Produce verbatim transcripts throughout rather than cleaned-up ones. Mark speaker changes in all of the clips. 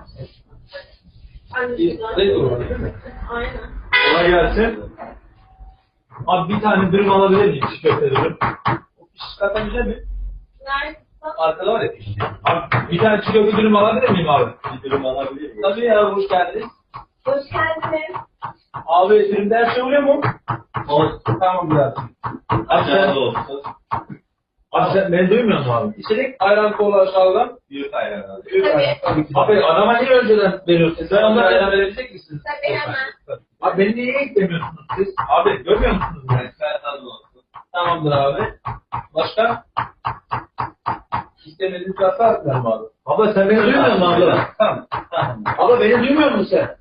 Speaker 1: Ne olur değil mi?
Speaker 2: Aynen.
Speaker 1: Kolay gelsin. Abi bir tane dürüm alabilir miyim? Çiğ köfte dürüm. O piş zaten güzel mi?
Speaker 2: Nerede?
Speaker 1: Arkada var ya pişti. Abi bir tane çiğ köfte dürüm alabilir miyim abi? Bir dürüm alabilir miyim? Tabii ya, hoş geldiniz.
Speaker 2: Hoş geldiniz.
Speaker 1: Abi dürümde her şey oluyor mu? Olsun. Tamam biraz. Abi sen... olsun. Abi sen beni duymuyor musun abi? İçerik ayran kola aşağıdan. Büyük ayran abi. Büyük ayran. Tabii ki. Abi adama niye önceden veriyorsun? Sen onlara ayran verebilecek misin?
Speaker 2: Tabii hemen.
Speaker 1: Abi beni niye eklemiyorsunuz siz? Abi görmüyor musunuz beni? Ben tadım olsun. Tamamdır abi. Başka? İstemediğiniz varsa atlarım abi. Abla sen beni duymuyor musun abla? Tamam. Tamam. Abla beni duymuyor musun sen?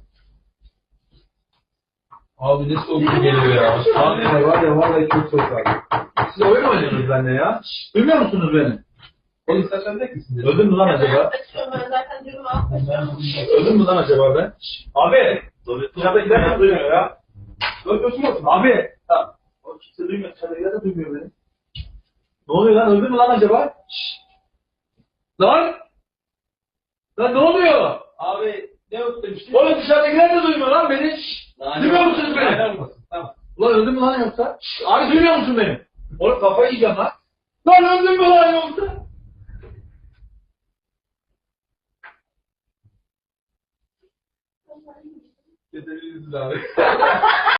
Speaker 1: Abi ne soğuk bir geliyor ya. Abi var ya vallahi çok soğuk abi. Siz oyun mu oynuyorsunuz benimle ya? Şşş, duymuyor musunuz beni? Polis saçlarındaki misiniz? Öldüm mü lan acaba?
Speaker 2: Açıyorum ben zaten durumu almışım.
Speaker 1: Öldüm mü lan acaba ben? Şşş, abi! Dışarıdakiler de duymuyor ya. Öldürsün musun? Abi! Tamam. O kimse duymuyor. Dışarıdakiler de duymuyor beni. Ne oluyor lan? Öldüm mü lan acaba? Şşş! Lan! Lan ne oluyor? Abi ne yok demiştin? Oğlum dışarıdakiler de duymuyor lan beni. Şşş! Duymuyor musunuz beni? Tamam. Ulan öldüm mü lan yoksa? Şşş! Abi duymuyor musun beni? Oğlum kafayı yiyeceğim lan. Lan öldüm mü lan yoksa? Yeterliyiz abi.